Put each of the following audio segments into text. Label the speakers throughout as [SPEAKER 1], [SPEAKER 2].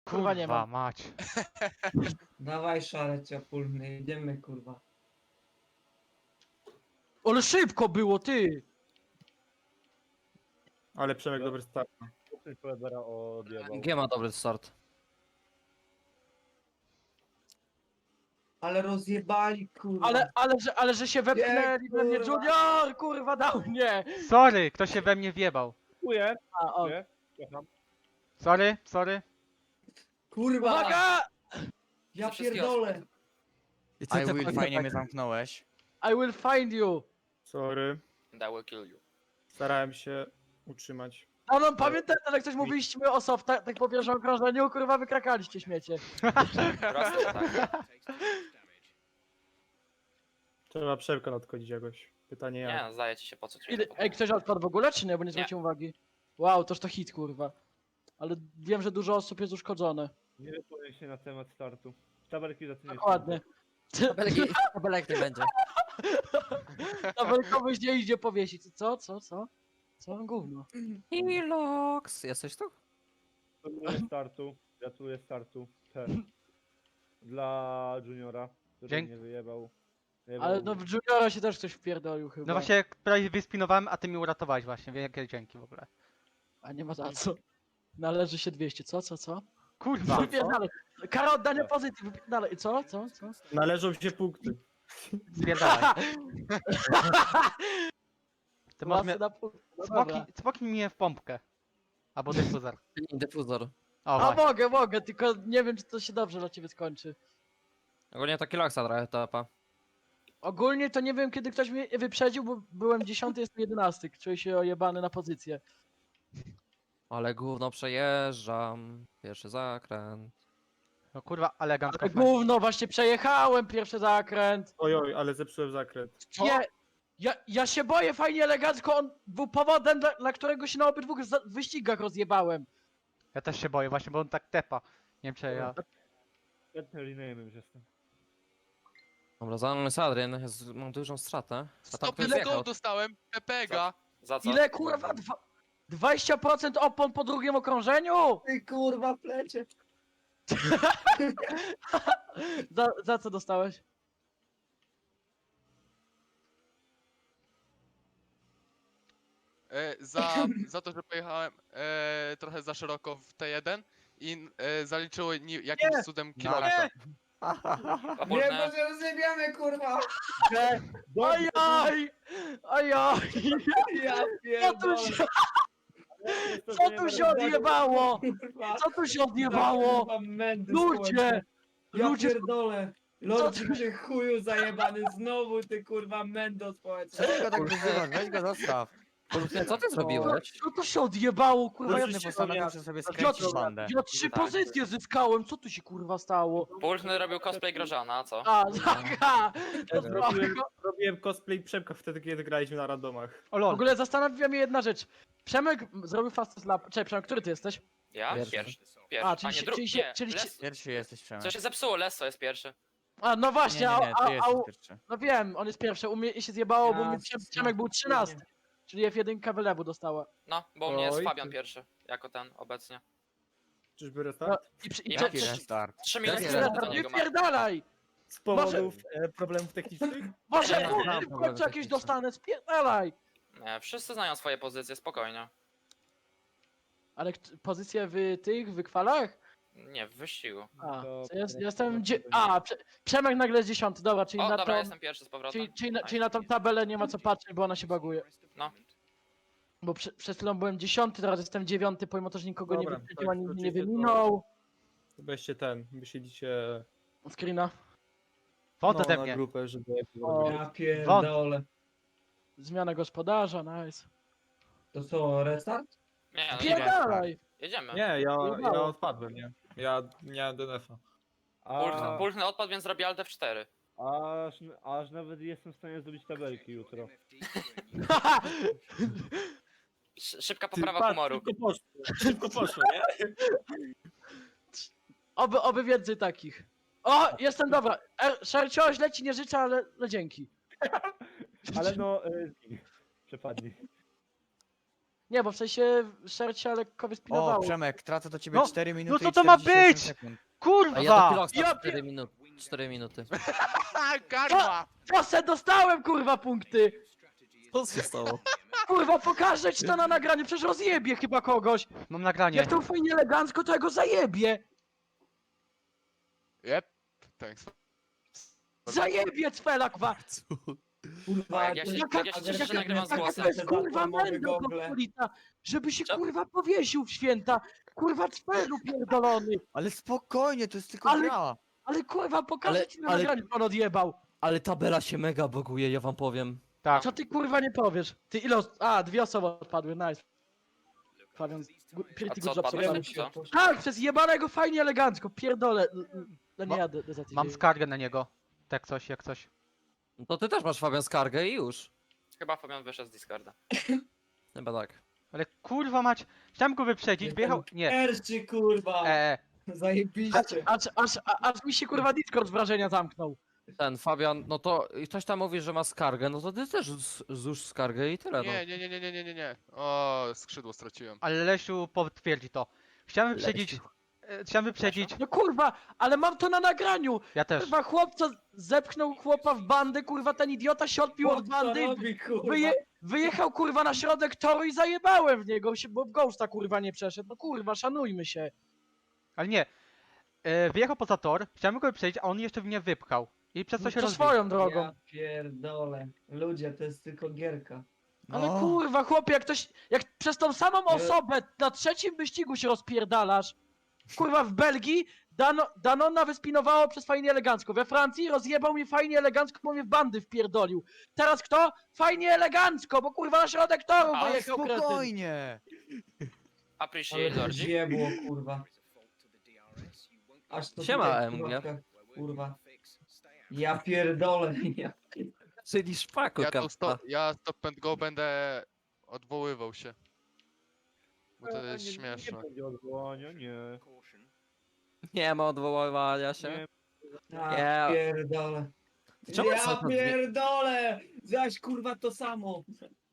[SPEAKER 1] Kurwa nie mam.
[SPEAKER 2] mać.
[SPEAKER 3] Dawaj szale ciapulny, idziemy kurwa.
[SPEAKER 1] Ale szybko było, ty!
[SPEAKER 4] Ale Przemek dobry start.
[SPEAKER 5] Ktoś Poledera odjebał.
[SPEAKER 6] G ma dobry start.
[SPEAKER 3] Ale rozjebali kurwa.
[SPEAKER 1] Ale że się wepchnęli we mnie,
[SPEAKER 3] kurwa.
[SPEAKER 1] Junior! Kurwa dał mnie!
[SPEAKER 2] Sorry, ktoś się we mnie wjebał.
[SPEAKER 5] Dziękuję.
[SPEAKER 1] A, o.
[SPEAKER 5] Dziękuję. Przepraszam.
[SPEAKER 2] Sorry.
[SPEAKER 3] Kurwa!
[SPEAKER 1] Uwaga!
[SPEAKER 3] Ja
[SPEAKER 7] Ze wszystkiego
[SPEAKER 3] pierdolę!
[SPEAKER 8] I co, Will, fajnie mnie zamknąłeś.
[SPEAKER 1] I will find you!
[SPEAKER 4] Sorry.
[SPEAKER 7] And I will kill you.
[SPEAKER 4] Starałem się utrzymać.
[SPEAKER 1] A no pamiętaj, jak coś mówiliśmy o softach, tak po pierwszym okrążeniu, kurwa wykrakaliście śmiecie.
[SPEAKER 7] Prosto tak.
[SPEAKER 4] Trzeba Przemka nadchodzić jakoś. Pytanie
[SPEAKER 7] Nie,
[SPEAKER 4] jak.
[SPEAKER 7] no, zdaje ci się po co ci
[SPEAKER 1] Ile, ej, ktoś odpadł w ogóle, czy nie? Bo nie zwróciłem uwagi. Wow, toż to hit, kurwa. Ale wiem, że dużo osób jest uszkodzone.
[SPEAKER 5] Nie wypowiem się na temat startu. Tabelki za tydzień.
[SPEAKER 1] Dokładnie.
[SPEAKER 6] Tabelek nie będzie.
[SPEAKER 1] Tabelkowy nie idzie powiesić. Co? Co? Gówno.
[SPEAKER 6] Ilox, jesteś tu?
[SPEAKER 5] Gratuluję startu. Dla Juniora, który
[SPEAKER 2] Dzięki.
[SPEAKER 5] nie wyjebał.
[SPEAKER 1] Ale no w Juniora się też ktoś wpierdolił chyba.
[SPEAKER 2] No właśnie prawie wyspinowałem, a ty mi uratowałeś właśnie. Wielkie dzięki w ogóle.
[SPEAKER 1] A nie ma za co. Należy się 200. Co?
[SPEAKER 2] Kurwa.
[SPEAKER 1] Wypierdalaj. Kara oddania pozycji, wypierdalaj. Co?
[SPEAKER 4] Należą się punkty.
[SPEAKER 2] Spierdalaj. Ty możesz mnie...
[SPEAKER 1] Masy na pół. No dobra.
[SPEAKER 2] Cmoknij mnie w pompkę. Albo dyfuzor.
[SPEAKER 6] Dyfuzor.
[SPEAKER 2] O,
[SPEAKER 1] A
[SPEAKER 2] właśnie.
[SPEAKER 1] mogę, tylko nie wiem, czy to się dobrze dla ciebie skończy.
[SPEAKER 6] Ogólnie to Kiloxa trochę etapa.
[SPEAKER 1] Ogólnie to nie wiem, kiedy ktoś mnie wyprzedził, bo byłem 10, jestem 11. Czuję się ojebany na pozycję.
[SPEAKER 6] Ale gówno przejeżdżam. Pierwszy zakręt.
[SPEAKER 2] No kurwa, elegancko.
[SPEAKER 1] Ale gówno, właśnie przejechałem pierwszy zakręt.
[SPEAKER 4] Ojoj, ale zepsułem zakręt.
[SPEAKER 1] Nie, ja się boję, fajnie, elegancko, on był powodem, dla którego się na obydwu wyścigach rozjebałem.
[SPEAKER 2] Ja też się boję właśnie, bo on tak tepa. Nie wiem czy ja...
[SPEAKER 5] Świetny rename już jestem.
[SPEAKER 6] Dobra, za mną jest Adrian, mam dużą stratę. A tam
[SPEAKER 9] 100
[SPEAKER 6] ktoś
[SPEAKER 9] go
[SPEAKER 6] zjechał.
[SPEAKER 9] dostałem, Pepega.
[SPEAKER 7] Za co?
[SPEAKER 1] Ile kurwa? 20% opon po drugim okrążeniu?
[SPEAKER 3] Ty kurwa plecie!
[SPEAKER 1] Za co dostałeś?
[SPEAKER 9] Za to, że pojechałem trochę za szeroko w T1 i zaliczyło jakimś cudem kilometra.
[SPEAKER 3] Nie, bo się rozjebiamy kurwa!
[SPEAKER 1] Ajaj!
[SPEAKER 3] Ja
[SPEAKER 1] Co tu się odjebało?
[SPEAKER 3] Kurwa!
[SPEAKER 1] Co tu się odjebało?
[SPEAKER 3] Kurwa, mędy
[SPEAKER 1] Ludzie!
[SPEAKER 3] społeczne. Ja
[SPEAKER 1] Ludzie!
[SPEAKER 3] pierdolę! Lord, ty chuju zajebany, znowu ty kurwa mędo społeczne.
[SPEAKER 8] Co go tak wyzywasz? Weź go zostaw.
[SPEAKER 6] Co ty zrobiłeś?
[SPEAKER 1] Co tu się odjebało, kurwa?
[SPEAKER 8] Wojny postanowił, że sobie skręcić bandę.
[SPEAKER 1] Ja 3 pozycje zyskałem, co tu się kurwa stało?
[SPEAKER 7] Pulchny robił cosplay Grożana, a co?
[SPEAKER 1] A, taka!
[SPEAKER 4] Robiłem cosplay Przemka wtedy, kiedy graliśmy na randomach.
[SPEAKER 2] O
[SPEAKER 1] W
[SPEAKER 2] lol.
[SPEAKER 1] ogóle zastanawia mnie jedna rzecz. Przemek zrobił fastest lap. Cześć, Przemek, który ty jesteś?
[SPEAKER 7] Ja?
[SPEAKER 6] Pierwszy.
[SPEAKER 7] Pierwszy.
[SPEAKER 1] A,
[SPEAKER 7] A,
[SPEAKER 1] czyli
[SPEAKER 7] nie
[SPEAKER 1] się-
[SPEAKER 7] drugi.
[SPEAKER 1] czyli się-
[SPEAKER 7] Nie,
[SPEAKER 1] czyli się-
[SPEAKER 7] Les...
[SPEAKER 8] Pierwszy jesteś, Przemek.
[SPEAKER 7] Co się zepsuło, Leso jest pierwszy.
[SPEAKER 1] A, no
[SPEAKER 8] Nie,
[SPEAKER 1] właśnie,
[SPEAKER 8] nie, nie, ty jesteś
[SPEAKER 1] a,
[SPEAKER 8] pierwszy.
[SPEAKER 1] no wiem, on jest pierwszy. U mnie się zjebało, bo u mnie
[SPEAKER 3] Jasne.
[SPEAKER 1] Przemek był 13. Czyli F1 wylewu dostała.
[SPEAKER 7] No, bo u mnie jest
[SPEAKER 4] Oj,
[SPEAKER 7] Fabian
[SPEAKER 4] ty.
[SPEAKER 7] pierwszy, jako ten obecnie.
[SPEAKER 4] Czyżby
[SPEAKER 1] No,
[SPEAKER 4] restart?
[SPEAKER 1] i
[SPEAKER 7] Jaki
[SPEAKER 8] Jaki restart?
[SPEAKER 7] 3
[SPEAKER 8] Jaki
[SPEAKER 7] minuty
[SPEAKER 8] restart?
[SPEAKER 7] do niego ma.
[SPEAKER 1] Wypierdalaj!
[SPEAKER 4] Z powodów problemów technicznych?
[SPEAKER 1] Może
[SPEAKER 6] Nie,
[SPEAKER 1] kurwa,
[SPEAKER 6] nie,
[SPEAKER 1] w końcu jakieś dostanę, spierdalaj!
[SPEAKER 7] Nie, wszyscy znają swoje pozycje, spokojnie.
[SPEAKER 1] Ale pozycje w tych wykwalach?
[SPEAKER 7] Nie, w wyścigu.
[SPEAKER 1] A,
[SPEAKER 5] To
[SPEAKER 1] to jest,
[SPEAKER 5] teraz
[SPEAKER 1] jestem.
[SPEAKER 5] to będzie-
[SPEAKER 1] Przemek nagle jest 10, dobra, czyli
[SPEAKER 7] O,
[SPEAKER 1] na
[SPEAKER 7] dobra,
[SPEAKER 1] tą.
[SPEAKER 7] jestem pierwszy z powrotem.
[SPEAKER 1] Czyli na tą tabelę nie ma co patrzeć, bo ona się baguje.
[SPEAKER 7] No.
[SPEAKER 1] Bo przed chwilą byłem 10, teraz jestem 9, pomimo to, że nikogo nie
[SPEAKER 4] Dobra,
[SPEAKER 1] wyprzedził
[SPEAKER 4] tak,
[SPEAKER 1] ani mnie nie
[SPEAKER 4] wrócicie do-
[SPEAKER 1] wyminął.
[SPEAKER 4] Weźcie wysiedzicie
[SPEAKER 1] Screena.
[SPEAKER 2] Wąt
[SPEAKER 4] no,
[SPEAKER 2] ode
[SPEAKER 4] na
[SPEAKER 2] mnie.
[SPEAKER 4] grupę, żeby...
[SPEAKER 1] O.
[SPEAKER 3] Ja pierdolę.
[SPEAKER 1] Zmiana gospodarza, nice.
[SPEAKER 3] To co, restart?
[SPEAKER 7] Nie, no,
[SPEAKER 1] Pierdalaj!
[SPEAKER 7] jedziemy.
[SPEAKER 4] Nie, ja
[SPEAKER 1] Udało.
[SPEAKER 4] odpadłem, nie? Ja nie miałem DNF-a.
[SPEAKER 7] Pulchny odpadł, więc zrobi Alt F4.
[SPEAKER 5] Aż nawet jestem w stanie zrobić tabelki jutro.
[SPEAKER 7] Szybka poprawa humoru.
[SPEAKER 4] Szybko poszło, nie?
[SPEAKER 1] Oby więcej takich. O, jestem dobra. Szercioś leci, nie życzę, ale no dzięki.
[SPEAKER 5] Ale no, przepadnij.
[SPEAKER 1] Nie, bo w sensie szercia lekko
[SPEAKER 8] O,
[SPEAKER 1] wyspinowało.
[SPEAKER 8] Przemek, tracę do ciebie
[SPEAKER 2] No,
[SPEAKER 8] 4 minuty
[SPEAKER 2] co
[SPEAKER 8] i
[SPEAKER 2] to ma
[SPEAKER 8] 48
[SPEAKER 2] być?
[SPEAKER 8] sekund.
[SPEAKER 6] A ja do
[SPEAKER 2] Kurwa!
[SPEAKER 6] Kiloksa
[SPEAKER 1] Ja
[SPEAKER 6] 4 minuty. 4 minuty.
[SPEAKER 9] Ha, karma!
[SPEAKER 1] Co se dostałem, kurwa, punkty!
[SPEAKER 6] Co się stało?
[SPEAKER 1] Kurwa, pokażę ci to na nagraniu, przecież rozjebie chyba kogoś.
[SPEAKER 2] Mam nagranie.
[SPEAKER 1] Jak to fajnie elegancko, to ja go zajebie.
[SPEAKER 9] Yep, thanks.
[SPEAKER 1] Zajebie cfela, kwa.
[SPEAKER 3] Kurwa,
[SPEAKER 7] Jak ja się-
[SPEAKER 3] jaka-
[SPEAKER 7] jak ja się cieszę, że nagrywam z
[SPEAKER 1] Jaka
[SPEAKER 7] głosem.
[SPEAKER 1] to jest, kurwa,
[SPEAKER 3] Platformowe
[SPEAKER 1] mędro
[SPEAKER 3] gogle.
[SPEAKER 1] pospolita, żeby się,
[SPEAKER 7] Co?
[SPEAKER 1] kurwa, powiesił w święta. Kurwa, cfelu pierdolony.
[SPEAKER 8] Ale spokojnie, to jest tylko
[SPEAKER 1] Ale-
[SPEAKER 8] gra.
[SPEAKER 1] Ale kurwa, pokażę
[SPEAKER 6] Ale-
[SPEAKER 1] ci na
[SPEAKER 6] ale-
[SPEAKER 1] nagraniu, on odjebał.
[SPEAKER 6] Ale tabela się mega buguje, ja wam powiem.
[SPEAKER 2] Tak.
[SPEAKER 1] Co ty, kurwa, nie powiesz? Ty ile A, 2 osoby odpadły, nice. Fabian, pretty
[SPEAKER 7] co,
[SPEAKER 1] good job
[SPEAKER 7] odpadłeś?
[SPEAKER 1] sobie.
[SPEAKER 7] Czy co?
[SPEAKER 1] Tak, przez jebanego fajnie elegancko, pierdolę. No nie
[SPEAKER 2] Ma-
[SPEAKER 1] jadę do zatydzień.
[SPEAKER 2] Mam skargę na niego. Tak coś, jak coś.
[SPEAKER 6] No to ty też masz Fabian skargę i już.
[SPEAKER 7] Chyba Fabian wyszedł z Discorda.
[SPEAKER 6] Chyba tak.
[SPEAKER 2] Ale kurwa mać. Chciałem go wyprzedzić, wyjechał. Nie.
[SPEAKER 3] Pierwszy, kurwa. Zajebiście.
[SPEAKER 1] Aż mi się kurwa Discord z wrażenia zamknął.
[SPEAKER 6] Ten Fabian, no to i ktoś tam mówi, że ma skargę, no to ty też złóż skargę i tyle, no.
[SPEAKER 9] Nie. O, skrzydło straciłem.
[SPEAKER 2] Ale Lesiu potwierdzi to. Chciałem wyprzedzić.
[SPEAKER 1] No kurwa, ale mam to na nagraniu.
[SPEAKER 2] Ja też.
[SPEAKER 1] Kurwa, chłopca zepchnął chłopa w bandę, kurwa, ten idiota się odpił od
[SPEAKER 3] Co
[SPEAKER 1] bandy.
[SPEAKER 3] robi, kurwa?
[SPEAKER 1] Wyjechał kurwa na środek toru i zajebałem w niego, bo w Ghosta kurwa nie przeszedł. No kurwa, szanujmy się.
[SPEAKER 2] Ale nie. Wyjechał poza tor, chciałem go wyprzedzić, a on jeszcze mnie wypchał. I przez to
[SPEAKER 1] No
[SPEAKER 2] się
[SPEAKER 1] to
[SPEAKER 2] rozbił.
[SPEAKER 1] swoją drogą.
[SPEAKER 3] Ja pierdolę. Ludzie, to jest tylko gierka.
[SPEAKER 1] Ale
[SPEAKER 8] No.
[SPEAKER 1] kurwa, chłopie, jak przez tą samą osobę na trzecim wyścigu się rozpierdalasz. Kurwa, w Belgii Danona wyspinowało przez fajnie elegancko. We Francji rozjebał mnie fajnie elegancko, bo mnie w bandy wpierdolił. Teraz kto? Fajnie elegancko, bo kurwa na środek toru
[SPEAKER 7] Ale
[SPEAKER 1] wyjechał kretyn.
[SPEAKER 8] Spokojnie.
[SPEAKER 7] Appreciate
[SPEAKER 3] Ale to
[SPEAKER 7] Lordzik.
[SPEAKER 3] zjebło, kurwa. Aż to
[SPEAKER 6] Siema,
[SPEAKER 3] tutaj,
[SPEAKER 6] MG.
[SPEAKER 3] Kurwa. Ja pierdolę. Ja...
[SPEAKER 6] Czyli szpaku,
[SPEAKER 7] Tak.
[SPEAKER 9] Ja stop and go będę odwoływał się. Bo to jest
[SPEAKER 5] Nie
[SPEAKER 9] śmieszne.
[SPEAKER 5] będzie odwołania, nie.
[SPEAKER 6] Nie ma odwoływania się.
[SPEAKER 5] Nie.
[SPEAKER 3] Ja
[SPEAKER 6] Nie.
[SPEAKER 3] pierdolę.
[SPEAKER 6] Czemu
[SPEAKER 3] Ja
[SPEAKER 6] są to dwie-
[SPEAKER 3] pierdolę! Zaś kurwa to samo.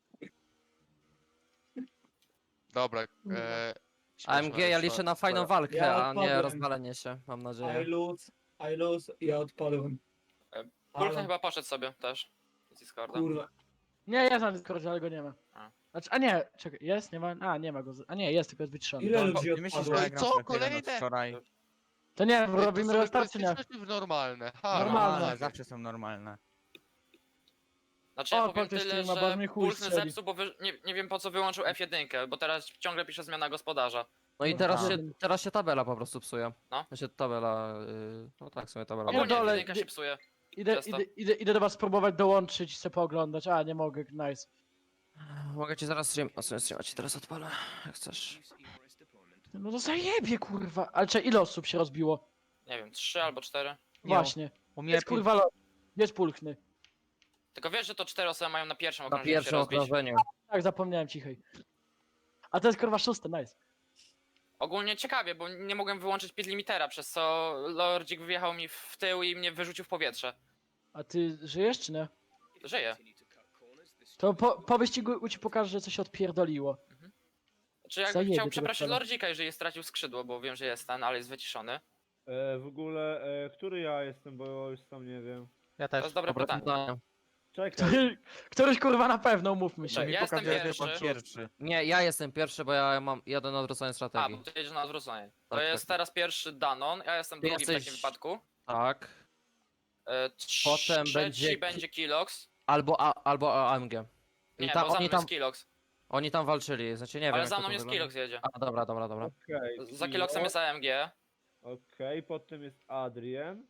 [SPEAKER 9] Dobra,
[SPEAKER 3] Kurwa.
[SPEAKER 6] AMG, ja liczę na fajną walkę,
[SPEAKER 3] Ja
[SPEAKER 6] a nie
[SPEAKER 3] odpadłem.
[SPEAKER 6] rozwalenie się, mam
[SPEAKER 3] I
[SPEAKER 6] nadzieję.
[SPEAKER 3] lose, ja odpadłem.
[SPEAKER 7] Pulchny
[SPEAKER 3] Ale,
[SPEAKER 7] chyba poszedł sobie też. Z Discorda.
[SPEAKER 3] kurwa.
[SPEAKER 1] Nie, jest na Discordzie, ale go nie ma.
[SPEAKER 7] A.
[SPEAKER 1] Znaczy, a nie, czekaj, jest? Nie ma? A, nie ma go. A nie, jest, tylko jest wyciszony.
[SPEAKER 3] Ile
[SPEAKER 1] Dobra.
[SPEAKER 3] ludzi
[SPEAKER 8] Ty myślisz,
[SPEAKER 3] odpadło?
[SPEAKER 8] że ja
[SPEAKER 9] Ale
[SPEAKER 8] gram
[SPEAKER 9] co?
[SPEAKER 8] w F1 od
[SPEAKER 9] Kolejne?
[SPEAKER 8] wczoraj?
[SPEAKER 1] To nie,
[SPEAKER 9] Ej, to
[SPEAKER 1] robimy
[SPEAKER 9] są
[SPEAKER 1] restart czy nie?
[SPEAKER 9] elastyczności normalne. Ha,
[SPEAKER 1] Normalne.
[SPEAKER 8] Zawsze są normalne.
[SPEAKER 7] Znaczy ja
[SPEAKER 1] O,
[SPEAKER 7] powiem
[SPEAKER 1] Polty
[SPEAKER 7] tyle,
[SPEAKER 1] streama, bo
[SPEAKER 7] że
[SPEAKER 1] mnie chuj
[SPEAKER 7] Pulchny
[SPEAKER 1] strzeli.
[SPEAKER 7] zepsuł, bo nie wiem po co wyłączył F1, bo teraz ciągle pisze zmiana gospodarza.
[SPEAKER 6] No i
[SPEAKER 1] No
[SPEAKER 6] teraz
[SPEAKER 1] tak.
[SPEAKER 6] się tabela po prostu psuje.
[SPEAKER 7] No.
[SPEAKER 6] Znaczy tabela, no tak, w sumie tabela.
[SPEAKER 7] Ogólnie
[SPEAKER 1] dole,
[SPEAKER 7] F1 się psuje.
[SPEAKER 1] Idę,
[SPEAKER 7] Przez to.
[SPEAKER 1] idę do was spróbować dołączyć i se pooglądać. A, nie mogę, nice.
[SPEAKER 6] Mogę ci zaraz streama ci teraz odpalę, jak chcesz.
[SPEAKER 1] No to zajebie, kurwa. Ale czy ile osób się rozbiło?
[SPEAKER 7] Nie wiem, 3 albo 4.
[SPEAKER 2] Nie,
[SPEAKER 1] Właśnie.
[SPEAKER 2] U mnie
[SPEAKER 1] Jest kurwa jest pulchny.
[SPEAKER 7] Tylko wiesz, że to 4 osoby mają na pierwszym
[SPEAKER 6] Na
[SPEAKER 7] okrążeniu się
[SPEAKER 6] pierwszym
[SPEAKER 7] rozbić.
[SPEAKER 6] okrążeniu.
[SPEAKER 1] Tak, zapomniałem cichej. A to jest kurwa szóste, nice.
[SPEAKER 7] Ogólnie ciekawie, bo nie mogłem wyłączyć pit limitera, przez co Lordzik wyjechał mi w tył i mnie wyrzucił w powietrze.
[SPEAKER 1] A ty żyjesz czy nie?
[SPEAKER 7] Żyje.
[SPEAKER 1] To po wyścigu ci pokażę, że coś odpierdoliło.
[SPEAKER 7] Czy jak
[SPEAKER 1] Zajebie
[SPEAKER 7] chciał
[SPEAKER 1] tego
[SPEAKER 7] przeprosić
[SPEAKER 1] pana.
[SPEAKER 7] Lordzika, jeżeli stracił skrzydło, bo wiem, że jest ten, ale jest wyciszony.
[SPEAKER 5] W ogóle, który ja jestem, bo już sam nie wiem.
[SPEAKER 2] Ja
[SPEAKER 7] To
[SPEAKER 2] też.
[SPEAKER 7] jest dobre
[SPEAKER 6] Dobre
[SPEAKER 7] pytanie.
[SPEAKER 6] pytanie.
[SPEAKER 5] Czekaj.
[SPEAKER 1] Któryś kurwa na pewno, mówmy się.
[SPEAKER 7] Tak, ja jestem
[SPEAKER 8] Pokazuje, że
[SPEAKER 7] pierwszy.
[SPEAKER 8] pan pierwszy.
[SPEAKER 6] Nie, ja jestem pierwszy, bo ja mam jeden odwrócenie
[SPEAKER 7] A,
[SPEAKER 6] strategii.
[SPEAKER 7] bo ty jedziesz na odwrócenie. To
[SPEAKER 6] Tak,
[SPEAKER 7] jest
[SPEAKER 6] tak.
[SPEAKER 7] teraz pierwszy Danon, ja jestem
[SPEAKER 6] Ty
[SPEAKER 7] drugi w
[SPEAKER 6] jesteś-
[SPEAKER 7] takim wypadku.
[SPEAKER 6] Tak. Potem
[SPEAKER 7] Trzeci
[SPEAKER 6] będzie
[SPEAKER 7] będzie Kilox.
[SPEAKER 6] Albo AMG. I
[SPEAKER 7] Nie,
[SPEAKER 6] tam,
[SPEAKER 7] bo za
[SPEAKER 6] oni,
[SPEAKER 7] mną
[SPEAKER 6] tam,
[SPEAKER 7] jest Kilox.
[SPEAKER 6] oni tam walczyli, znaczy nie wiem
[SPEAKER 7] Ale
[SPEAKER 6] jak
[SPEAKER 7] za
[SPEAKER 6] to
[SPEAKER 7] mną jest
[SPEAKER 6] wygląda.
[SPEAKER 7] Kilox jedzie.
[SPEAKER 6] A, dobra.
[SPEAKER 5] Okej.
[SPEAKER 7] Za Kiloxem jest AMG.
[SPEAKER 5] Okej, potem jest Adrien.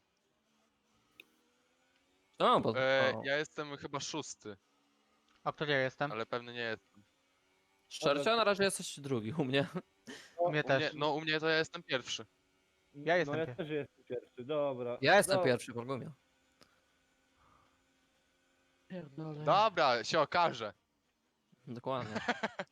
[SPEAKER 6] No, bo...
[SPEAKER 9] Ja jestem chyba 6,
[SPEAKER 2] A który ja jestem?
[SPEAKER 9] ale pewnie nie jestem.
[SPEAKER 6] Szczerze, na razie jesteś drugi u mnie.
[SPEAKER 2] U mnie też.
[SPEAKER 9] U mnie to ja jestem pierwszy.
[SPEAKER 2] Ja jestem
[SPEAKER 5] No ja
[SPEAKER 2] pierwszy.
[SPEAKER 5] też jestem pierwszy, dobra.
[SPEAKER 6] Ja jestem
[SPEAKER 5] Dobra.
[SPEAKER 6] pierwszy, Borgumia.
[SPEAKER 1] Pierdolę.
[SPEAKER 9] Dobra, się okaże.
[SPEAKER 6] Dokładnie.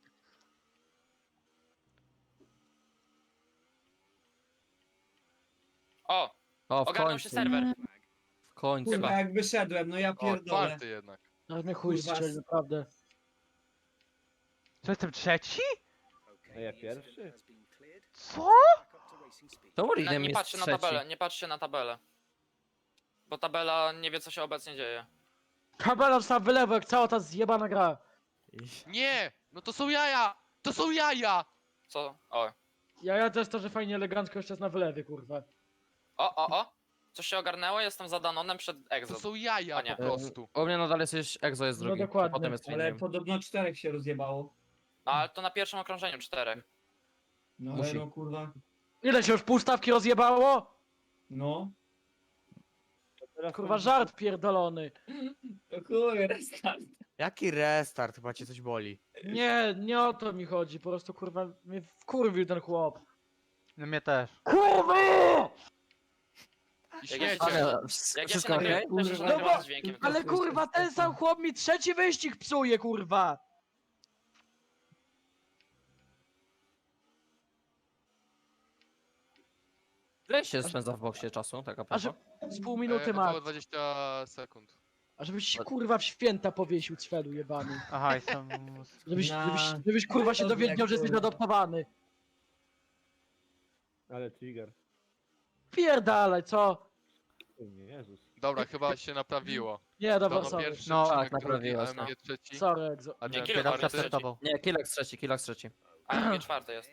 [SPEAKER 7] O,
[SPEAKER 6] O, w
[SPEAKER 7] ogarnął się
[SPEAKER 6] końcu.
[SPEAKER 7] serwer.
[SPEAKER 6] W końcu.
[SPEAKER 3] Kurwa, jak wyszedłem, no ja
[SPEAKER 9] O,
[SPEAKER 3] pierdolę.
[SPEAKER 9] czwarty jednak.
[SPEAKER 1] Aż mnie chuj
[SPEAKER 3] Kurwa,
[SPEAKER 1] strzeli, naprawdę.
[SPEAKER 2] Co, jestem trzeci?
[SPEAKER 5] A ja pierwszy?
[SPEAKER 2] Co?
[SPEAKER 7] Nie,
[SPEAKER 6] To Urinem
[SPEAKER 7] nie
[SPEAKER 6] jest
[SPEAKER 7] patrzcie na
[SPEAKER 6] trzeci.
[SPEAKER 7] tabelę, nie patrzcie na tabelę. Bo tabela nie wie co się obecnie dzieje.
[SPEAKER 1] Tabela dostała wylewu jak cała ta zjebana gra.
[SPEAKER 9] Nie! No to są jaja! To są jaja!
[SPEAKER 7] Co? O.
[SPEAKER 1] Ja też to, że fajnie elegancko jeszcze jest na wylewie, kurwa.
[SPEAKER 7] O! Coś się ogarnęło, jestem za Danonem przed
[SPEAKER 9] To
[SPEAKER 7] Exo.
[SPEAKER 9] są jaja
[SPEAKER 7] A nie.
[SPEAKER 9] po prostu.
[SPEAKER 6] U mnie nadal jesteś Exo jest
[SPEAKER 1] No
[SPEAKER 6] drugi.
[SPEAKER 1] dokładnie.
[SPEAKER 6] Potem jest
[SPEAKER 3] Ale
[SPEAKER 6] Urinem.
[SPEAKER 3] podobno 4 się rozjebało.
[SPEAKER 7] No ale to na pierwszym okrążeniu 4.
[SPEAKER 3] No
[SPEAKER 6] Musi.
[SPEAKER 3] ale no kurwa.
[SPEAKER 1] Ile się już półstawki rozjebało?
[SPEAKER 3] No.
[SPEAKER 5] To teraz
[SPEAKER 1] Kurwa,
[SPEAKER 5] to-
[SPEAKER 1] żart pierdolony.
[SPEAKER 3] To kurwa, restart.
[SPEAKER 8] Jaki restart? Chyba cię coś boli.
[SPEAKER 1] Nie o to mi chodzi, po prostu kurwa mnie wkurwił ten chłop.
[SPEAKER 2] No mnie też.
[SPEAKER 1] Kurwy!
[SPEAKER 9] I
[SPEAKER 7] Jak ja się-
[SPEAKER 9] śmiecie.
[SPEAKER 6] Ale
[SPEAKER 7] Jak ja się
[SPEAKER 6] wszystko
[SPEAKER 7] nagrywam,
[SPEAKER 6] okej?
[SPEAKER 7] to się
[SPEAKER 1] No
[SPEAKER 7] nagrywam
[SPEAKER 1] bo-
[SPEAKER 7] z dźwiękiem.
[SPEAKER 1] Ale kurwa, ten sam chłop mi trzeci wyścig psuje, kurwa!
[SPEAKER 6] Ile się spędza w boksie czasu, tak a
[SPEAKER 1] A że
[SPEAKER 6] propos?
[SPEAKER 1] z pół minuty ma.
[SPEAKER 9] Około 20 sekund.
[SPEAKER 1] A żebyś się kurwa w święta powiesił, cwelu jebany.
[SPEAKER 2] Aha, jestem...
[SPEAKER 1] Żebyś kurwa się
[SPEAKER 3] Dobrze,
[SPEAKER 1] dowiedział, że jesteś
[SPEAKER 3] kurwa.
[SPEAKER 1] adoptowany.
[SPEAKER 5] Ale trigger.
[SPEAKER 1] Pierdalaj, co?
[SPEAKER 5] Nie, Jezus.
[SPEAKER 9] Dobra, chyba się naprawiło.
[SPEAKER 1] Nie, dobra,
[SPEAKER 9] Dano
[SPEAKER 1] sorry.
[SPEAKER 9] pierwszy,
[SPEAKER 2] No,
[SPEAKER 9] Przemek
[SPEAKER 6] tak,
[SPEAKER 9] drugi,
[SPEAKER 6] naprawiło się.
[SPEAKER 9] AMG trzeci.
[SPEAKER 1] Sorry, Exo.
[SPEAKER 9] Adrian
[SPEAKER 7] Dzięki,
[SPEAKER 9] czwarty.
[SPEAKER 7] Lord.
[SPEAKER 2] Startował.
[SPEAKER 6] Nie, Kilax trzeci, Kilax trzeci.
[SPEAKER 7] A MG 4 jest.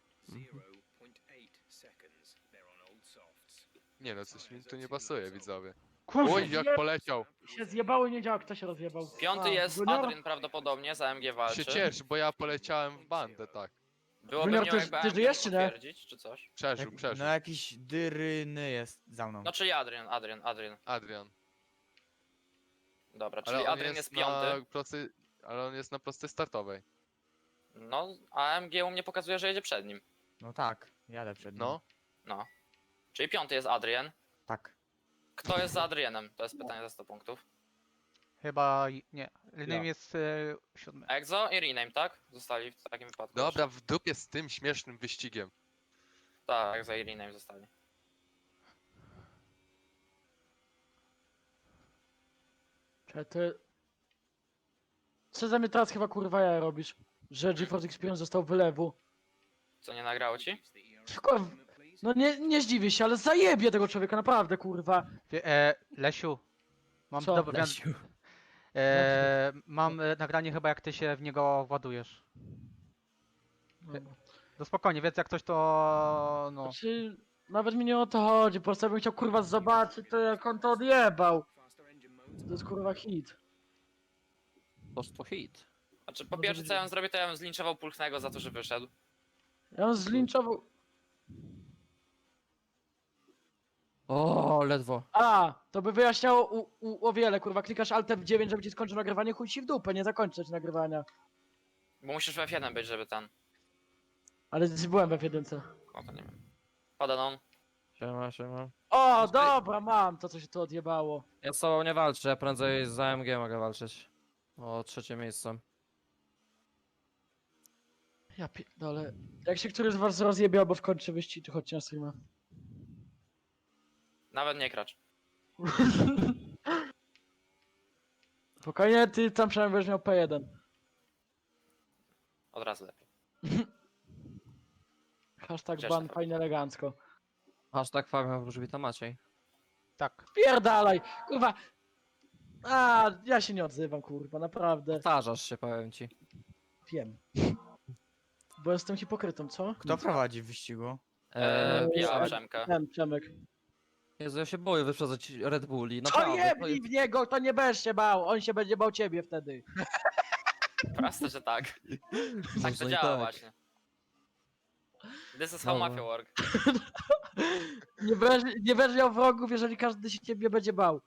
[SPEAKER 9] Nie no, coś mi tu nie pasuje, widzowie.
[SPEAKER 2] Kurwa,
[SPEAKER 9] Oj, jak poleciał.
[SPEAKER 1] Się zjebało i nie działa, kto się rozjebał.
[SPEAKER 7] Piąty
[SPEAKER 1] A,
[SPEAKER 7] jest
[SPEAKER 1] Junior?
[SPEAKER 7] Adrian prawdopodobnie, za MG walczy.
[SPEAKER 9] Się ciesz, bo ja poleciałem w bandę, tak.
[SPEAKER 7] Byłoby
[SPEAKER 1] Junior,
[SPEAKER 7] miło
[SPEAKER 1] ty-
[SPEAKER 7] jakby
[SPEAKER 1] ty
[SPEAKER 7] AMG
[SPEAKER 1] żyjesz,
[SPEAKER 7] mógł
[SPEAKER 1] czy nie?
[SPEAKER 7] potwierdzić, czy coś.
[SPEAKER 9] Przeżył,
[SPEAKER 8] Jak,
[SPEAKER 9] przeżył.
[SPEAKER 8] no jakiś dyryny jest za mną.
[SPEAKER 7] No czyli Adrian.
[SPEAKER 9] Adrian.
[SPEAKER 7] Dobra, czyli
[SPEAKER 9] Ale on
[SPEAKER 7] Adrian
[SPEAKER 9] jest
[SPEAKER 7] jest piąty.
[SPEAKER 9] na prostej... Ale on jest na prostej startowej.
[SPEAKER 7] No, a AMG u mnie pokazuje, że jedzie przed nim.
[SPEAKER 8] No tak, jadę przed nim.
[SPEAKER 9] No.
[SPEAKER 7] No. Czyli piąty jest Adrian.
[SPEAKER 8] Tak.
[SPEAKER 7] Kto jest za Adrianem? To jest pytanie za 100 punktów.
[SPEAKER 2] chyba... nie.
[SPEAKER 5] Ja.
[SPEAKER 2] Innym jest siódmy.
[SPEAKER 7] Exo i Rename, tak? Zostali w takim wypadku.
[SPEAKER 9] Dobra, w dupie z tym śmiesznym wyścigiem.
[SPEAKER 7] Tak, Exo i Rename zostali.
[SPEAKER 1] Czekaj, ty... Co za mnie teraz chyba kurwa ja robisz? Że GeForce Experience został wylewu.
[SPEAKER 7] Co, nie nagrało ci?
[SPEAKER 1] Kurwa, no nie zdziwię się, ale zajebie tego człowieka, naprawdę kurwa.
[SPEAKER 2] Lesiu. Mam
[SPEAKER 1] Co?
[SPEAKER 2] dobry...
[SPEAKER 6] Lesiu.
[SPEAKER 2] mam nagranie chyba jak ty się w niego ładujesz. No spokojnie, więc jak coś to... no...
[SPEAKER 1] Znaczy, nawet mi nie o to chodzi, po prostu ja bym chciał kurwa zobaczyć to jak on to odjebał. To jest kurwa hit.
[SPEAKER 6] To hit.
[SPEAKER 7] Znaczy, po pierwsze co ja bym zrobił, to ja bym zlinczował Pulchnego za to, że wyszedł.
[SPEAKER 1] Ja on zlinczował...
[SPEAKER 6] O, ledwo.
[SPEAKER 1] A, to by wyjaśniało o wiele, kurwa, klikasz Alt F9, żeby ci skończył nagrywanie, chuj ci w dupę, nie zakończyć nagrywania.
[SPEAKER 7] Bo musisz w F1 być, żeby ten...
[SPEAKER 1] Ale byłem we w jedynce.
[SPEAKER 7] O, to nie wiem. Padanon.
[SPEAKER 6] Siema.
[SPEAKER 1] O, dobra, mam to, co się tu odjebało.
[SPEAKER 6] Ja z tobą nie walczę, ja prędzej z AMG mogę walczyć. O trzecie miejsce.
[SPEAKER 1] Ja pierdolę. Jak się któryś z was rozjebie albo skończy wyścig, to chodźcie na streama.
[SPEAKER 7] Nawet nie kracz.
[SPEAKER 1] Spokojnie, ty tam przynajmniej będziesz miał P1.
[SPEAKER 7] Od razu lepiej.
[SPEAKER 1] Hashtag
[SPEAKER 7] Cieszę
[SPEAKER 1] ban
[SPEAKER 7] się.
[SPEAKER 1] fajnie elegancko.
[SPEAKER 6] Hashtag Fabian Wróżbita Maciej.
[SPEAKER 2] Tak.
[SPEAKER 1] Pierdalaj, kurwa. A, ja się nie odzywam, kurwa, naprawdę.
[SPEAKER 6] Powtarzasz się, powiem ci.
[SPEAKER 1] Wiem. Bo jestem hipokrytą, co?
[SPEAKER 8] Kto prowadzi w wyścigu?
[SPEAKER 7] Ja,
[SPEAKER 1] tak.
[SPEAKER 7] Przemka.
[SPEAKER 1] Ten, Przemek.
[SPEAKER 6] Jezu, ja się boję wyprzedzać Red Bulli,
[SPEAKER 1] To
[SPEAKER 6] naprawdę.
[SPEAKER 1] jebnij w niego, to nie będziesz się bał, on się będzie bał ciebie wtedy.
[SPEAKER 7] Proste, że tak. Tak
[SPEAKER 6] Może
[SPEAKER 7] to
[SPEAKER 6] i
[SPEAKER 7] działa
[SPEAKER 6] tak.
[SPEAKER 7] właśnie. This is how
[SPEAKER 6] Dobra.
[SPEAKER 7] mafia work.
[SPEAKER 1] Nie będziesz miał wrogów, jeżeli każdy się ciebie będzie bał.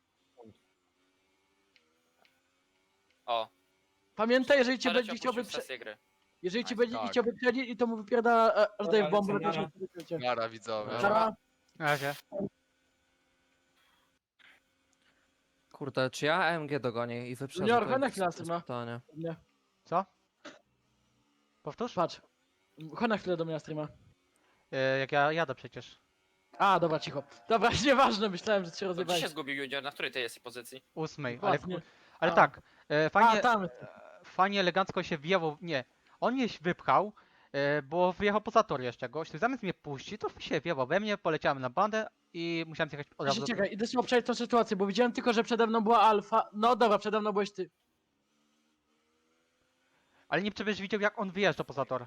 [SPEAKER 7] O,
[SPEAKER 1] Pamiętaj, jeżeli cię
[SPEAKER 7] Czarek
[SPEAKER 1] będzie chciał
[SPEAKER 7] opuścił
[SPEAKER 1] wyprze...
[SPEAKER 7] sesję gry.
[SPEAKER 1] Jeżeli cię
[SPEAKER 7] Tak,
[SPEAKER 1] będzie
[SPEAKER 9] tak.
[SPEAKER 1] chciał wyprzedzić i to mu wypierdala aż daje w bombę,
[SPEAKER 3] Dobra,
[SPEAKER 1] to się
[SPEAKER 3] lecę
[SPEAKER 1] wykręcie.
[SPEAKER 9] Nara, widzowie.
[SPEAKER 1] Czara?
[SPEAKER 2] Na razie.
[SPEAKER 6] Kurde, czy ja AMG dogonię i wyprzedzę?
[SPEAKER 1] Junior,
[SPEAKER 6] To
[SPEAKER 1] chodź na
[SPEAKER 6] jest-
[SPEAKER 1] chwilę,
[SPEAKER 6] to jest
[SPEAKER 1] streama.
[SPEAKER 6] pytanie.
[SPEAKER 1] Nie.
[SPEAKER 2] Co? Powtórz?
[SPEAKER 1] Patrz. Chodź na chwilę do mnie na streama.
[SPEAKER 2] Jak ja jadę przecież.
[SPEAKER 1] A, dobra, cicho. Dobra, nieważne, myślałem, że cię
[SPEAKER 7] To gdzie
[SPEAKER 1] rozjebałeś.
[SPEAKER 7] się zgubił Junior? Na której ty jesteś pozycji?
[SPEAKER 2] 8,
[SPEAKER 1] Dokładnie.
[SPEAKER 2] ale
[SPEAKER 1] A.
[SPEAKER 2] tak.
[SPEAKER 1] A,
[SPEAKER 2] Fajnie,
[SPEAKER 1] tam.
[SPEAKER 2] fajnie elegancko się wjechał, nie, on mnie wypchał, bo wyjechał poza tor jeszcze gość, zamiast mnie puścić, to się wjechał we mnie, poleciałem na bandę i musiałem zjechać od razu.
[SPEAKER 1] Czekaj, idę sobie obczaić tą sytuację, bo widziałem tylko, że przede mną była alfa. No dobra, przede mną byłeś ty.
[SPEAKER 2] Ale nie przecież widział jak on wyjeżdża poza tor.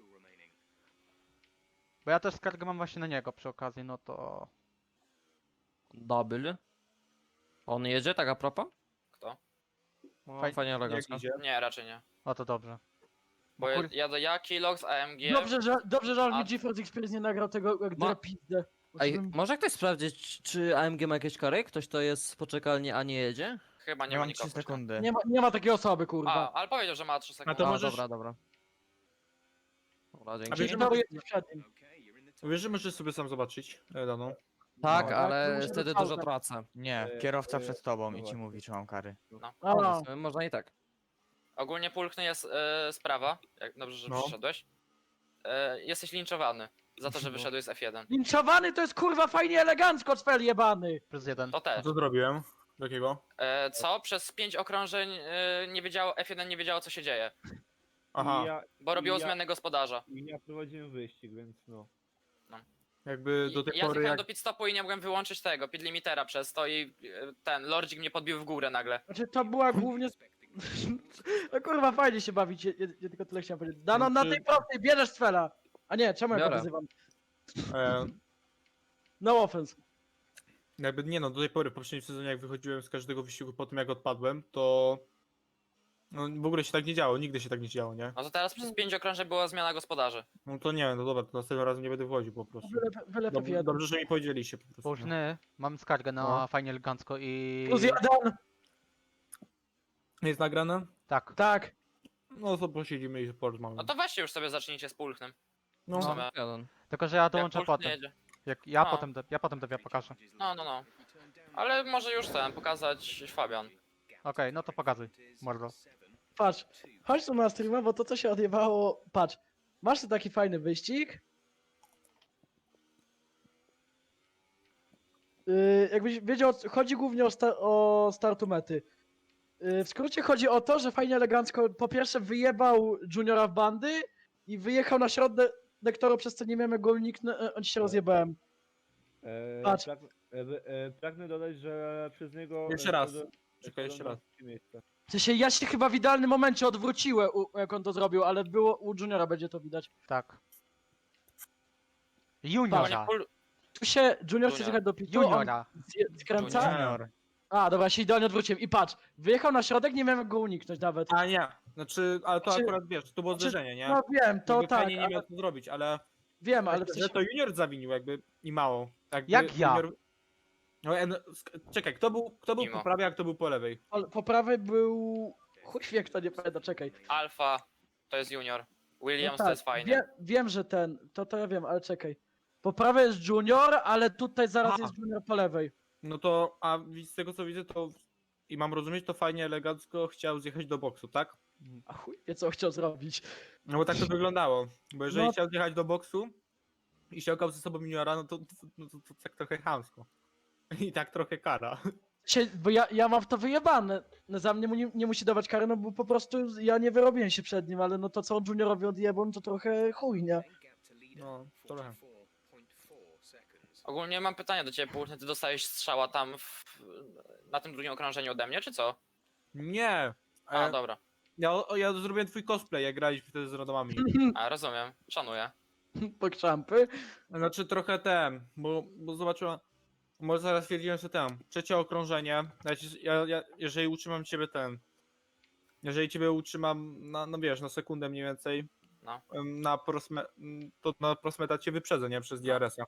[SPEAKER 2] Bo ja też skargę mam właśnie na niego przy okazji, no to...
[SPEAKER 6] Double. On jedzie, tak a propos?
[SPEAKER 7] Kto?
[SPEAKER 6] Fajnie
[SPEAKER 4] Jak
[SPEAKER 6] elegancko.
[SPEAKER 4] idzie?
[SPEAKER 7] Nie, raczej nie.
[SPEAKER 2] No to dobrze.
[SPEAKER 7] Bo
[SPEAKER 2] kur-
[SPEAKER 7] jadę ja, Kilox, AMG.
[SPEAKER 1] Dobrze, że on
[SPEAKER 7] A-
[SPEAKER 1] mi GeForce Experience nie nagrał tego jak
[SPEAKER 6] Ma-
[SPEAKER 1] drapizdę.
[SPEAKER 6] Ej, może ktoś sprawdzić, czy AMG ma jakieś kary? Ktoś to jest w poczekalni, a nie jedzie?
[SPEAKER 7] Chyba nie
[SPEAKER 8] Ja
[SPEAKER 7] ma
[SPEAKER 8] mam 3
[SPEAKER 7] nikogo.
[SPEAKER 8] sekundy.
[SPEAKER 1] Nie ma takiej osoby, kurwa.
[SPEAKER 7] A, ale powiedział, że ma 3 sekundy.
[SPEAKER 4] to
[SPEAKER 6] A,
[SPEAKER 4] możesz-
[SPEAKER 6] dobra, dobra. Dobra,
[SPEAKER 4] A
[SPEAKER 6] dzięki.
[SPEAKER 4] wiesz, że
[SPEAKER 1] No,
[SPEAKER 4] możesz-
[SPEAKER 1] jesteś przed nim.
[SPEAKER 4] Wiesz, że możesz sobie sam zobaczyć daną.
[SPEAKER 6] Tak,
[SPEAKER 8] No.
[SPEAKER 6] ale
[SPEAKER 1] muszę
[SPEAKER 6] wtedy
[SPEAKER 1] pauzę.
[SPEAKER 6] dużo tracę.
[SPEAKER 8] Nie, kierowca przed tobą i ci mówi, czy mam kary.
[SPEAKER 1] A,
[SPEAKER 6] No, w sumie można i tak.
[SPEAKER 7] Ogólnie pulchny jest sprawa. Jak dobrze, że
[SPEAKER 4] No.
[SPEAKER 7] przyszedłeś. Jesteś linczowany za to, że wyszedłeś z F1.
[SPEAKER 1] linczowany to jest kurwa fajnie elegancko, cfel jebany.
[SPEAKER 2] +1.
[SPEAKER 7] To
[SPEAKER 4] A
[SPEAKER 7] też.
[SPEAKER 4] co zrobiłem? Takiego?
[SPEAKER 7] Co? Przez 5 okrążeń nie wiedziało, F1 nie wiedziało, co się dzieje.
[SPEAKER 4] Aha,
[SPEAKER 5] I ja,
[SPEAKER 7] Bo robiło
[SPEAKER 5] ja-
[SPEAKER 7] zmianę gospodarza.
[SPEAKER 5] i ja prowadziłem wyścig, więc no.
[SPEAKER 4] jakby do tej
[SPEAKER 7] Ja
[SPEAKER 4] pory
[SPEAKER 7] zjechałem
[SPEAKER 4] jak...
[SPEAKER 7] do pit stopu i nie mogłem wyłączyć tego, pit limitera przez to i ten Lordzik mnie podbił w górę nagle.
[SPEAKER 1] Znaczy to była głównie... No kurwa, fajnie się bawić, ja tylko tyle chciałem powiedzieć. Dano, na tej prostej bierzesz cfela. A nie, czemu ja go
[SPEAKER 6] Biorę.
[SPEAKER 1] wyzywam?
[SPEAKER 4] E,
[SPEAKER 1] No offense.
[SPEAKER 4] jakby nie no, do tej pory w poprzednim sezonie jak wychodziłem z każdego wyścigu po tym jak odpadłem, to... No w ogóle się tak nie działo, nigdy się tak nie działo, nie?
[SPEAKER 7] No to teraz przez 5 okrążeń była zmiana gospodarzy.
[SPEAKER 4] No to nie, no dobra, to następnym razem nie będę wchodził po prostu.
[SPEAKER 1] Wylew
[SPEAKER 4] Dobrze,
[SPEAKER 1] F1.
[SPEAKER 4] dobrze, że mi powiedzieliście po prostu. no.
[SPEAKER 2] Późny, mam skargę na
[SPEAKER 4] No.
[SPEAKER 2] fajnie elegancko i...
[SPEAKER 1] +1.
[SPEAKER 4] Jest nagrane?
[SPEAKER 2] Tak.
[SPEAKER 1] Tak.
[SPEAKER 4] No to posiedzimy i porozmawiamy.
[SPEAKER 7] No to weźcie już sobie zacznijcie z pulchnym.
[SPEAKER 4] No,
[SPEAKER 7] w sumie.
[SPEAKER 6] Jeden.
[SPEAKER 2] Tylko, że ja
[SPEAKER 7] Jak
[SPEAKER 2] dołączę
[SPEAKER 7] pulchny
[SPEAKER 2] potem.
[SPEAKER 7] jedzie.
[SPEAKER 2] Jak ja
[SPEAKER 7] No.
[SPEAKER 2] potem tobie pokażę.
[SPEAKER 7] No. Ale może już ten, pokazać Fabian.
[SPEAKER 2] Okej, no to pokazuj, mordo.
[SPEAKER 1] Patrz, chodź tu na streama, bo to co się odjebało... Patrz, masz tu taki fajny wyścig. Jakbyś wiedział, chodzi głównie o startu mety. W skrócie chodzi o to, że fajnie elegancko po pierwsze wyjebał Juniora w bandy i wyjechał na środek toru, przez co nie miałem jak go uniknąć, się rozjebałem. Patrz.
[SPEAKER 5] Pragnę dodać, że przez niego...
[SPEAKER 4] Jeszcze raz.
[SPEAKER 5] wszedłem-
[SPEAKER 4] Czekaj, jeszcze
[SPEAKER 5] wszedłem
[SPEAKER 4] raz.
[SPEAKER 5] na trzecie miejsce.
[SPEAKER 1] W sensie ja się chyba w idealnym momencie odwróciłem, jak on to zrobił, ale było u Juniora będzie to widać.
[SPEAKER 2] Tak.
[SPEAKER 7] Ogólnie
[SPEAKER 2] Juniora.
[SPEAKER 1] Tu się Junior chce
[SPEAKER 7] Junior.
[SPEAKER 1] zjechać do pitu, on
[SPEAKER 2] Juniora.
[SPEAKER 1] skręca.
[SPEAKER 8] Junior.
[SPEAKER 1] A, dobra, się idealnie odwróciłem. I patrz, wyjechał na środek, nie miałem jak go uniknąć nawet.
[SPEAKER 4] A nie, znaczy, ale to
[SPEAKER 1] Znaczy-
[SPEAKER 4] akurat wiesz, to było
[SPEAKER 1] znaczy,
[SPEAKER 4] zderzenie, nie?
[SPEAKER 1] No wiem, to
[SPEAKER 4] Jakby
[SPEAKER 1] tak,
[SPEAKER 4] fajnie nie
[SPEAKER 1] ale,
[SPEAKER 4] miał co zrobić, ale...
[SPEAKER 1] wiem, ale w
[SPEAKER 4] że
[SPEAKER 1] sensie,
[SPEAKER 4] to Junior zawinił jakby i mało. Jakby
[SPEAKER 2] Jak ja?
[SPEAKER 4] No, czekaj, kto był
[SPEAKER 7] Mimo.
[SPEAKER 4] po prawej, a kto był po lewej?
[SPEAKER 1] po prawej był... Chuj wie, kto nie pamięta, czekaj.
[SPEAKER 7] Alfa to jest junior. Williams
[SPEAKER 1] No
[SPEAKER 7] to jest fajnie.
[SPEAKER 1] wiem, że to ja wiem, ale czekaj. Po prawej jest Junior, ale tutaj zaraz
[SPEAKER 4] Aha.
[SPEAKER 1] jest Junior po lewej.
[SPEAKER 4] No to, a z tego co widzę, to i mam rozumieć, to fajnie, elegancko chciał zjechać do boksu, tak?
[SPEAKER 1] A chuj wie, co chciał zrobić.
[SPEAKER 4] No bo tak to wyglądało. Bo jeżeli
[SPEAKER 1] No.
[SPEAKER 4] chciał zjechać do boksu i ściągał ze sobą juniora, no to tak trochę chamsko. I tak trochę kara.
[SPEAKER 1] Bo ja mam w to wyjebane. Za mnie mu nie musi dawać kary, no bo po prostu ja nie wyrobiłem się przed nim, ale no to co on Juniorowi odjebał, no to trochę chujnia.
[SPEAKER 4] No, trochę.
[SPEAKER 7] Ogólnie mam pytanie do ciebie, Pulchny, ty dostałeś strzała tam na tym drugim okrążeniu ode mnie, czy co?
[SPEAKER 4] Nie!
[SPEAKER 7] A, dobra.
[SPEAKER 4] Ja zrobiłem twój cosplay, jak graliśmy wtedy z randomami.
[SPEAKER 7] A, rozumiem. Szanuję.
[SPEAKER 1] Pokczampy.
[SPEAKER 4] Znaczy trochę bo zobaczyłem. Może zaraz stwierdziłem, że trzecie okrążenie. Jeżeli utrzymam ciebie jeżeli ciebie utrzymam no wiesz, na sekundę mniej więcej.
[SPEAKER 7] No.
[SPEAKER 4] To na prosmeta cię wyprzedzę, nie? Przez DRS-a.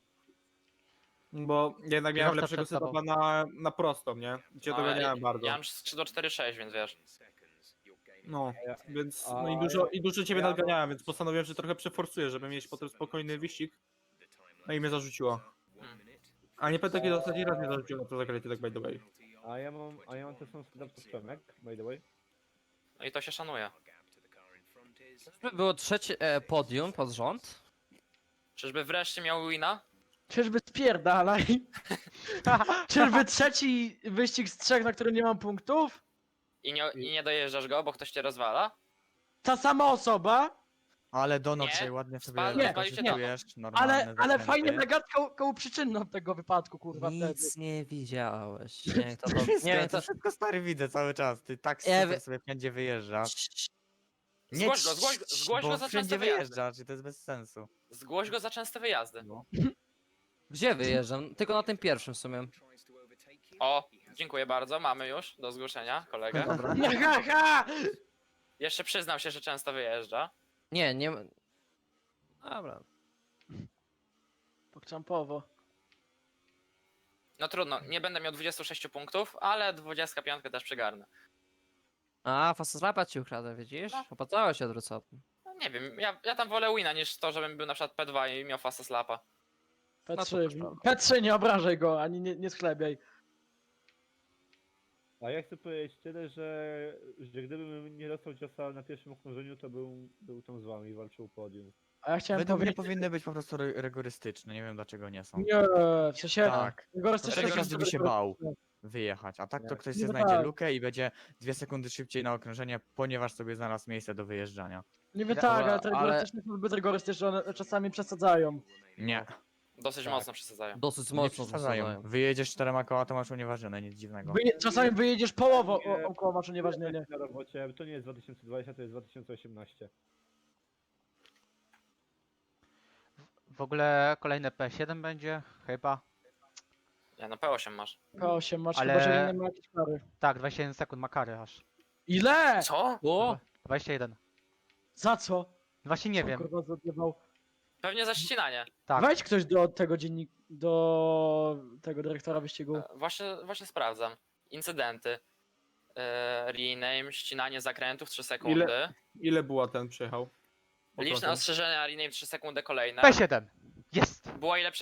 [SPEAKER 4] Bo jednak miałem
[SPEAKER 2] Kierowca
[SPEAKER 4] lepszego
[SPEAKER 2] przed tobą.
[SPEAKER 4] setupa na prostą, nie? Cię
[SPEAKER 7] No,
[SPEAKER 4] doganiałem bardzo.
[SPEAKER 7] Ja mam skrzydło 4-6, więc wiesz.
[SPEAKER 4] No, więc
[SPEAKER 5] A
[SPEAKER 4] i dużo ciebie
[SPEAKER 5] ja-
[SPEAKER 4] nadganiałem, więc postanowiłem, że trochę przeforsuję, żeby mieć potem spokojny wyścig. No i mnie zarzuciło. A nie pamiętam, kiedy ostatni raz mnie zarzuciło na to zagranie, tak by the way.
[SPEAKER 5] A ja mam też setup to Przemek, by the way.
[SPEAKER 7] No i to się szanuje.
[SPEAKER 6] Czyżby było trzecie podium pod rząd?
[SPEAKER 7] Czyżby wreszcie miał wina?
[SPEAKER 1] Czyżby spierdalaj? Czyżby trzeci wyścig z 3, na który nie mam punktów?
[SPEAKER 7] i nie dojeżdżasz go, bo ktoś cię rozwala?
[SPEAKER 1] Ta sama osoba,
[SPEAKER 8] Ale Dono
[SPEAKER 7] Nie,
[SPEAKER 8] dzisiaj ładnie sobie
[SPEAKER 7] spalił
[SPEAKER 1] się
[SPEAKER 8] wykorzystujesz,
[SPEAKER 1] ale
[SPEAKER 8] normalne
[SPEAKER 1] fajnie
[SPEAKER 8] zakręty.
[SPEAKER 1] elegancko koło przyczynną tego wypadku, kurwa, wtedy.
[SPEAKER 6] Nic nie widziałeś. Nie wiem, kto to...
[SPEAKER 8] Wszystko,
[SPEAKER 6] Nie wiem,
[SPEAKER 8] to
[SPEAKER 6] kto...
[SPEAKER 8] wszystko stary widzę cały czas. Ty tak
[SPEAKER 6] Ja
[SPEAKER 8] super
[SPEAKER 6] wie-
[SPEAKER 8] sobie wszędzie wyjeżdżasz.
[SPEAKER 7] Zgłoś go, zgłoś
[SPEAKER 8] bo
[SPEAKER 7] go za
[SPEAKER 8] wszędzie
[SPEAKER 7] częste wyjazdy.
[SPEAKER 8] wyjeżdżasz i to jest bez sensu.
[SPEAKER 7] Zgłoś go za częste wyjazdy.
[SPEAKER 6] Gdzie wyjeżdżam? Tylko na tym pierwszym w sumie.
[SPEAKER 7] O, dziękuję bardzo, mamy już do zgłoszenia kolegę.
[SPEAKER 1] Ha, ha!
[SPEAKER 7] Jeszcze przyznał się, że często wyjeżdża.
[SPEAKER 6] Nie, nie... Dobra.
[SPEAKER 1] Pokczampowo.
[SPEAKER 7] No trudno, nie będę miał 26 punktów, ale 25 też przygarnę.
[SPEAKER 6] A, Fastoslapa ci ukradł, widzisz? Opłacało się odwrócotnie.
[SPEAKER 7] No nie wiem, ja tam wolę wina niż to, żebym był na przykład P2 i miał fasta slapa.
[SPEAKER 6] No to
[SPEAKER 1] P3,
[SPEAKER 6] też prawda.
[SPEAKER 1] P3, nie obrażaj go, ani nie schlebiaj.
[SPEAKER 5] A ja chcę powiedzieć tyle, że gdybym nie dostał ciosa na pierwszym okrążeniu, to był tam z wami i walczył o podium.
[SPEAKER 1] A ja chciałem
[SPEAKER 8] Według mnie
[SPEAKER 1] powiedzieć...
[SPEAKER 8] powinny być po prostu rygorystyczne, nie wiem dlaczego nie są.
[SPEAKER 1] Nie, w sensie...
[SPEAKER 8] Tak.
[SPEAKER 1] Rygorystyczne
[SPEAKER 8] Wtedy
[SPEAKER 1] są
[SPEAKER 8] każdy by się
[SPEAKER 1] tylko-
[SPEAKER 8] bał wyjechać, a tak to
[SPEAKER 5] Nie.
[SPEAKER 8] ktoś
[SPEAKER 1] Nie
[SPEAKER 8] sobie
[SPEAKER 1] tak.
[SPEAKER 8] znajdzie lukę i będzie 2 sekundy szybciej na okrążenie, ponieważ sobie znalazł miejsce do wyjeżdżania.
[SPEAKER 1] Niby
[SPEAKER 6] Dobra,
[SPEAKER 1] tak, ale te
[SPEAKER 6] ale-
[SPEAKER 1] rygorystyczne są zbyt rygorystyczne, one czasami przesadzają.
[SPEAKER 8] Nie,
[SPEAKER 7] Dosyć
[SPEAKER 8] Tak.
[SPEAKER 7] mocno przesadzają.
[SPEAKER 6] Dosyć
[SPEAKER 8] nie
[SPEAKER 6] mocno
[SPEAKER 8] przesadzają.
[SPEAKER 6] przesadzają.
[SPEAKER 8] Wyjedziesz 4 koła, to masz unieważnione, nic dziwnego.
[SPEAKER 1] Czasami wyjedziesz połową
[SPEAKER 5] Nie.
[SPEAKER 1] około maczu nieważnienie.
[SPEAKER 5] Na robocie, to nie jest 2020, to jest 2018.
[SPEAKER 2] W ogóle kolejne P7 będzie, chyba.
[SPEAKER 7] Ja na P8 masz.
[SPEAKER 1] P8 masz,
[SPEAKER 2] Ale-
[SPEAKER 1] chyba że nie ma jakiejś kary.
[SPEAKER 2] Tak, 21 sekund ma kary aż.
[SPEAKER 1] Ile?
[SPEAKER 7] Co?
[SPEAKER 6] O!
[SPEAKER 2] 21.
[SPEAKER 1] Za co?
[SPEAKER 2] Właśnie nie
[SPEAKER 1] Co,
[SPEAKER 2] wiem.
[SPEAKER 1] Kurwa, zadiewał?
[SPEAKER 7] Pewnie za ścinanie.
[SPEAKER 2] Tak.
[SPEAKER 1] Wejdź ktoś do tego do tego dyrektora wyścigu.
[SPEAKER 7] Właśnie sprawdzam. Incydenty. Rename, ścinanie zakrętów 3 sekundy.
[SPEAKER 4] Ile była ten przyjechał?
[SPEAKER 7] Liczne
[SPEAKER 4] Okrążeń.
[SPEAKER 7] ostrzeżenia, rename 3 sekundy kolejne.
[SPEAKER 2] P7. Jest!
[SPEAKER 7] Była ile